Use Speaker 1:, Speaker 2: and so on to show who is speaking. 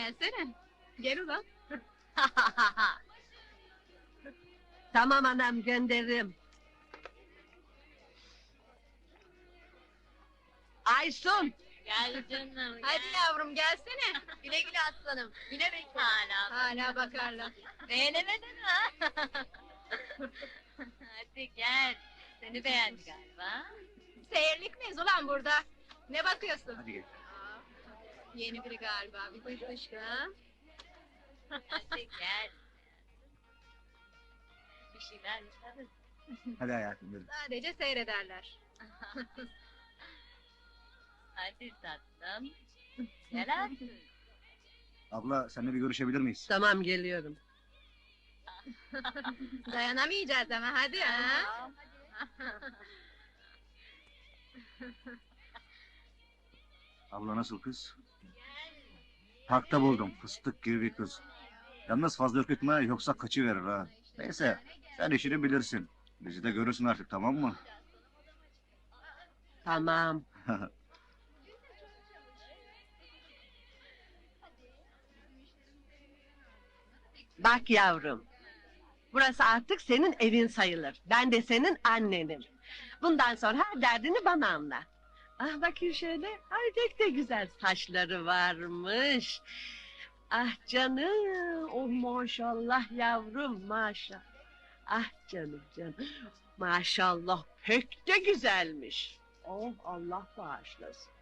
Speaker 1: gelsene. Gel ulan.
Speaker 2: Tamam anam, gönderirim. Aysun!
Speaker 3: Gel canım.
Speaker 1: Hadi yavrum gelsene. Güle güle aslanım. Güle bekle. Hala bakarlar.
Speaker 3: Beğenemedin mi? Hadi gel. Seni beğendi galiba.
Speaker 1: Seyirlik miyiz ulan burada? Ne bakıyorsun?
Speaker 4: Hadi gel.
Speaker 1: Aa, yeni biri galiba. Bir dış dışkı ha?
Speaker 3: Hadi gel. Bir şeyler yaparız.
Speaker 4: Hadi hayatım yürü.
Speaker 1: Sadece seyrederler.
Speaker 3: Hadi tatlım. Gel artık.
Speaker 4: Abla seninle bir görüşebilir miyiz?
Speaker 2: Tamam, geliyorum.
Speaker 1: Dayanamayacağız ama hadi ha.
Speaker 4: Abla nasıl kız? Parkta buldum. Fıstık gibi bir kız. Yalnız fazla ürkütme yoksa kaçıverir ha. Neyse sen işini bilirsin. Bizi de görürsün artık, tamam mı?
Speaker 2: Tamam. Bak yavrum. Burası artık senin evin sayılır. Ben de senin annenim. Bundan sonra her derdini bana anlat. Ah bakayım şöyle. Ay pek de güzel saçları varmış. Ah canım. Oh maşallah yavrum, maşallah. Ah canım canım. Maşallah pek de güzelmiş. Oh Allah bağışlasın.